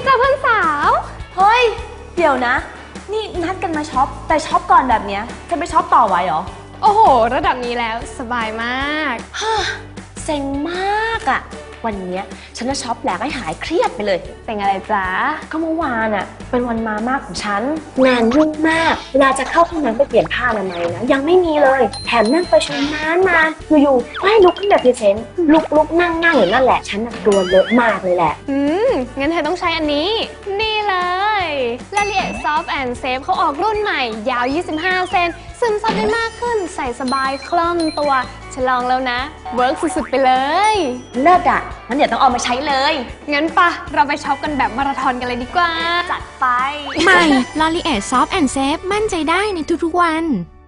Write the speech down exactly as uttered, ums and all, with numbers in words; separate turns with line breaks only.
จ้าเพื่อนสาว
เฮ้ยเดี๋ยวนะ นี่นัดกันมาช็อปแต่ช็อปก่อนแบบเนี้ยจะไปช็อปต่อไหวเหรอ
โอ้โหระดับนี้แล้วสบายมาก
ฮ่าเซ็งมากอะวันเนี้ยฉันจะช็อปแหลกให้หายเครียดไปเลย
เป็นอะไรจ๊ะ
ก็เมื่อวานอะเป็นวันมามากของฉันงานยุ่งมากเวลาจะเข้าห้องน้ำไปเปลี่ยนผ้าอนามัยนะยังไม่มีเลยแถมนั่งประชุมนานนานอยู่ๆให้ลุกขึ้นแบบพรีเซนต์ลุกลุกนั่งนั่งอยู่นั่นแหละฉันน่ะตัวเลอะมากเลยแหละ
อืม งั้นเธอต้องใช้อันนี้ นี่เลย l a l i e Soft and Safe เขาออกรุ่นใหม่ ยาว ยี่สิบห้า เซน ซึมซับได้มากขึ้น ใส่สบายคล่องตัวฉันลองแล้วนะ เวิร์กสุดๆไปเลย
เลิศอะงั้นเดี๋ยวต้องเอามาใช้เลย
งั้นปะเราไปช็อปกันแบบมาราธอนกันเลยดีกว่า
จัดไป
ใหม่ ลอรีเอท Soft and Safe มั่นใจได้ในทุกๆวัน